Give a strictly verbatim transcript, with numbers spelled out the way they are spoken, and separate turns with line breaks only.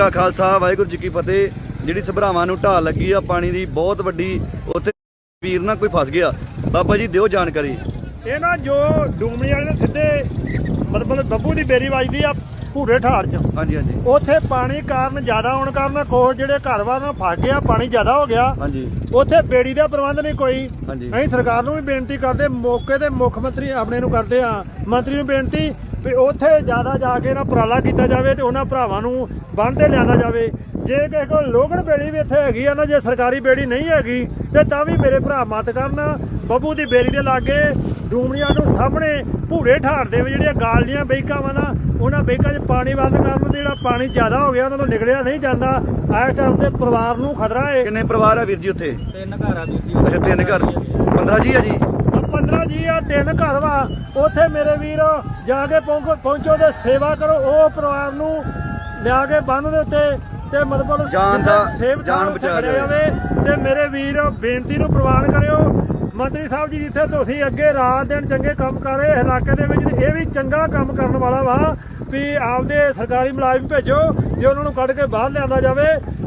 खालसा वाहिगुरू जी की फतेह। जिहड़ी सभरावां नूं ढाल लगी आ पानी की बहुत वड्डी, उत्थे वीर ना कोई फस गया। बाबा जी दिओ जानकारी।
ये ना जो डूमणी वाले सीधे मतलब ਬੱਬੂ ਦੀ ਬੇਰੀ ਵੱਜਦੀ ਆ ਭੂਰੇ ਠਾੜ ਚ।
ਹਾਂਜੀ ਹਾਂਜੀ।
ਉੱਥੇ ਪਾਣੀ ਕਾਰਨ ਜ਼ਿਆਦਾ ਹੋਣ ਕਾਰਨ ਕੋਹ ਜਿਹੜੇ ਘਰ ਵਾਰ ਨਾਲ ਫਸ ਗਿਆ, ਪਾਣੀ ਜ਼ਿਆਦਾ ਹੋ ਗਿਆ।
ਹਾਂਜੀ।
ਉੱਥੇ ਬੇੜੀ ਦਾ ਪ੍ਰਬੰਧ ਨਹੀਂ ਕੋਈ।
ਹਾਂਜੀ।
ਅਸੀਂ ਸਰਕਾਰ ਨੂੰ ਵੀ ਬੇਨਤੀ ਕਰਦੇ, ਮੌਕੇ ਤੇ ਮੁੱਖ ਮੰਤਰੀ ਆਪਣੇ ਨੂੰ ਕਰਦੇ ਆ, ਮੰਤਰੀ ਨੂੰ ਬੇਨਤੀ ਵੀ ਉੱਥੇ ਜ਼ਿਆਦਾ ਜਾ ਕੇ ਨਾ ਉਪਰਾਲਾ ਕੀਤਾ ਜਾਵੇ ਤੇ ਉਹਨਾਂ ਭਰਾਵਾਂ ਨੂੰ ਬੰਨ੍ਹ ਤੇ ਲਿਆਂਦਾ ਜਾਵੇ। ਜੇ ਕਿਸੇ ਕੋਲ ਲੋਗਣ ਬੇੜੀ ਵੀ ਇੱਥੇ ਹੈਗੀ ਆ ਨਾ, ਜੇ ਸਰਕਾਰੀ ਬੇੜੀ ਨਹੀਂ ਹੈਗੀ ਤੇ ਤਾਂ ਵੀ ਮੇਰੇ ਭਰਾ ਮਤ ਕਰਨ। ਬੱਬੂ ਦੀ ਬੇੜੀ ਦੇ ਲਾਗੇ ਡੂਮਣੀਆਂ ਨੂੰ ਸਾਹਮਣੇ ਭੂਰੇ ਠਾੜ ਦੇ ਵਿੱਚ ਜਿਹੜੀਆਂ ਗਾਲੜੀਆਂ ਬੈਕਾਂ ਵਾ ਨਾ, ਉਹਨਾਂ ਬੈਕਾਂ 'ਚ ਪਾਣੀ ਬੰਦ ਕਰਨ, ਜਿਹੜਾ ਪਾਣੀ ਜ਼ਿਆਦਾ ਹੋ ਗਿਆ ਉਹਨਾਂ ਤੋਂ ਨਿਕਲਿਆ ਨਹੀਂ ਜਾਂਦਾ। ਇਸ ਟਾਈਮ ਤੇ ਪਰਿਵਾਰ ਨੂੰ ਖਤਰਾ ਹੈ।
ਕਿੰਨੇ ਪਰਿਵਾਰ ਆ ਵੀਰ ਜੀ ਉੱਥੇ?
ਤਿੰਨ ਘਰ ਆ ਵੀਰ ਜੀ।
ਅੱਛਾ ਤਿੰਨ ਘਰ, ਪੰਦਰਾਂ ਜੀ ਆ ਜੀ।
ਪੰਦਰਾਂ ਜੀ ਆ, ਤਿੰਨ ਘਰ ਵਾ। ਉੱਥੇ ਮੇਰੇ ਵੀਰ ਜਾ ਕੇ ਪਹੁੰਚੋ ਪਹੁੰਚੋ ਤੇ ਸੇਵਾ ਕਰੋ। ਉਹ ਪਰਿਵਾਰ ਨੂੰ ਲਿਆ ਕੇ ਬੰਨ ਦੇ ਉੱਤੇ ਤੇ ਮਤਲਬ
ਜਾਨ ਦਾ
ਸੇਵ
ਜਾਨ ਬਚਾ
ਜਾਵੇ। ਤੇ ਮੇਰੇ ਵੀਰ ਬੇਨਤੀ ਨੂੰ ਪ੍ਰਵਾਨ ਕਰਿਓ। ਮੰਤਰੀ ਸਾਹਿਬ ਜੀ ਜਿੱਥੇ ਤੁਸੀਂ ਅੱਗੇ ਰਾਤ ਦਿਨ ਚੰਗੇ ਕੰਮ ਕਰ ਰਹੇ ਇਲਾਕੇ ਦੇ ਵਿੱਚ, ਇਹ ਵੀ ਚੰਗਾ ਕੰਮ ਕਰਨ ਵਾਲਾ ਵਾ ਵੀ ਆਪਦੇ ਸਰਕਾਰੀ ਮੁਲਾਜ਼ਮ ਭੇਜੋ ਜੇ ਉਹਨਾਂ ਨੂੰ ਕੱਢ ਕੇ ਬਾਹਰ ਲਿਆਂਦਾ ਜਾਵੇ।